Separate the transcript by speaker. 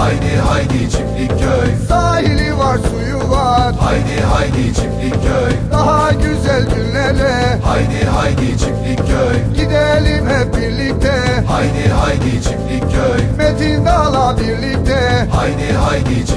Speaker 1: Haydi haydi Çiftlikköy.
Speaker 2: Sahili var, suyu var,
Speaker 1: Haydi haydi Çiftlikköy.
Speaker 2: daha güzel günlere
Speaker 1: Haydi haydi Çiftlikköy.
Speaker 2: gidelim hep birlikte.
Speaker 1: Haydi haydi Çiftlikköy.
Speaker 2: Metin Dağ'la birlikte.
Speaker 1: Haydi haydi Çiftlikköy.